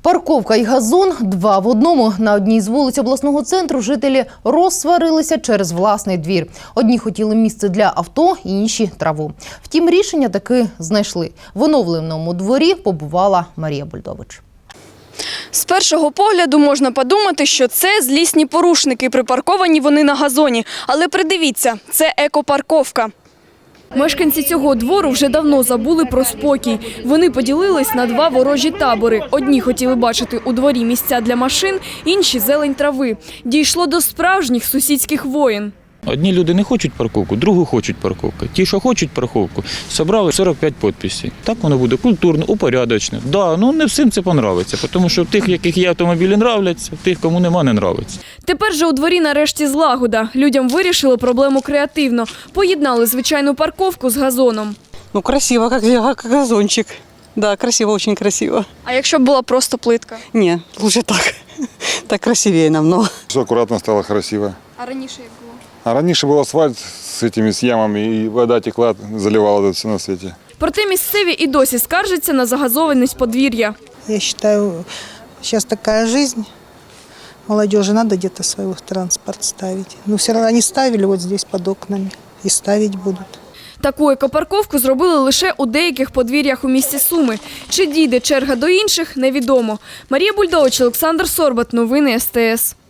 Парковка і газон – два в одному. На одній з вулиць обласного центру жителі розсварилися через власний двір. Одні хотіли місце для авто, інші – траву. Втім, рішення таки знайшли. В оновленому дворі побувала Марія Бульдович. З першого погляду можна подумати, що це злісні порушники, припарковані вони на газоні. Але придивіться, це екопарковка. Мешканці цього двору вже давно забули про спокій. Вони поділились на два ворожі табори. Одні хотіли бачити у дворі місця для машин, інші – зелень трави. Дійшло до справжніх сусідських воєн. Одні люди не хочуть парковку, другі хочуть парковку. Ті, що хочуть парковку, зібрали 45 підписів. Так воно буде культурно, упорядочно. Да, не всім це подобається, тому що в тих, яких є автомобілі, подобаються, в тих, кому нема, не подобається. Тепер же у дворі нарешті злагода. Людям вирішили проблему креативно. Поєднали звичайну парковку з газоном. Красиво, как газончик. Да, красиво, очень красиво. А якщо б була просто плитка? Не, лучше так. Так красивее намного. Все аккуратно стало, красиво. А раніше як було? А раньше был асфальт с ямами, и вода текла, заливала тут все на свете. Проте місцеві і досі скаржаться на загазованість подвір'я. Я считаю, сейчас такая жизнь. Молодежи надо где-то свой транспорт ставить. Но все равно они ставили вот здесь под окнами и ставить будут. Таку екопарковку зробили лише у деяких подвір'ях у місті Суми. Чи дійде черга до інших – невідомо. Марія Бульдович, Олександр Сорбат. Новини СТС.